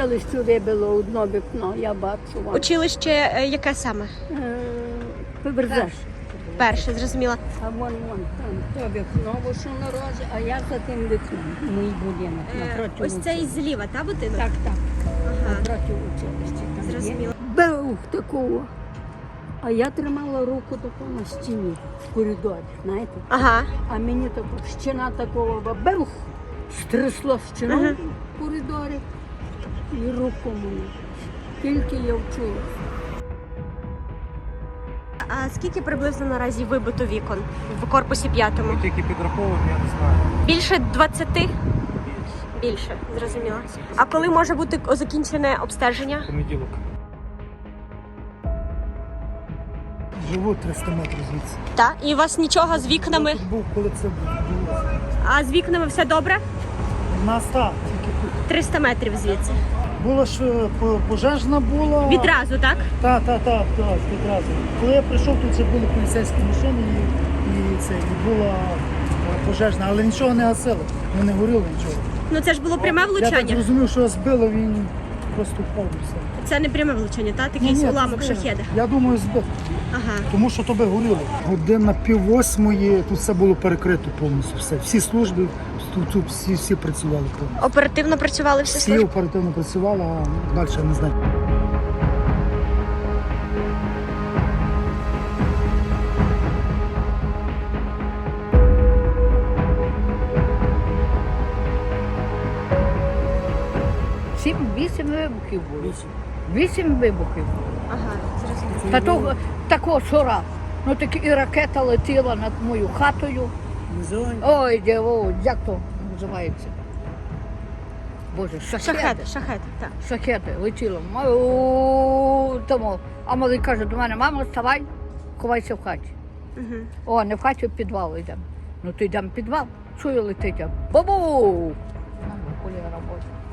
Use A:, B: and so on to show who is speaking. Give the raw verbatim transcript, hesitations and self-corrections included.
A: училищі вибило одне вікно, я бачу. Вон.
B: Училище е, яке саме?
A: Е, Поверзеш.
B: Перше, зрозуміла.
A: А вон, вон, там, то вікно, бо що на розі, а я за тим вікном, мій будинок,
B: Е,
A: напроти
B: ось цей
A: училища.
B: зліва, та будинок?
A: Так, так,
B: Ага.
A: напроти училища. там є.
B: Зрозуміла.
A: Беух такого. А я тримала руку таку на стіні в коридорі, знаєте?
B: Ага.
A: А мені таку стіна такого беух, стрясло стіну
B: Ага.
A: в коридорі і руку мені. Тільки я вчула.
B: А скільки приблизно наразі вибито вікон в корпусі п'ятому?
C: Тільки підраховуємо, я не знаю.
B: Більше двадцяти? Більше, зрозуміло. А коли може бути закінчене обстеження?
C: Понеділок. Живу триста метрів звідси.
B: Так. І у вас нічого з вікнами?
C: Я тут був, коли це було.
B: А з вікнами все добре?
C: У нас так, тільки тут.
B: триста метрів звідси.
C: Було ж е, по- пожежна була.
B: Відразу, так?
C: Так, так, так, так, відразу. Коли я прийшов, тут вже були поліцейські машини і, і це, і була е, пожежна, але нічого не гасили, ну не горіло нічого.
B: Ну це ж було пряме
C: Я так
B: влучання.
C: зрозумів, що збило, він просто впав і все.
B: Це не пряме влучання, так?
C: Ні,
B: Такий
C: ні,
B: уламок
C: збило.
B: шахеда.
C: Я думаю, збив.
B: Ага.
C: Тому що тобі горіло. Година пів восьмої, тут все було перекрито повністю. Все. Всі служби, тут, тут всі, всі працювали повністю.
B: Оперативно працювали всі
C: Всі
B: служби?
C: оперативно працювали, а далі я не знаю.
A: Сім, вісім вибухів було. Вісім вибухів.
B: Ага, зрозуміло.
A: Та того, такого що раз. Ну так і ракета летіла над мою хатою. Ой, діво, як то називається? Боже, шахеди.
B: Шахеди, шахеди, так.
A: Шахеди летіло. О, тому. А малий каже до мене: мамо, вставай, ховайся в хаті.
B: Угу.
A: О, не в хаті, в підвал йдемо. Ну то йдемо в підвал. Чую, летить. Бабу! Коли я роботу.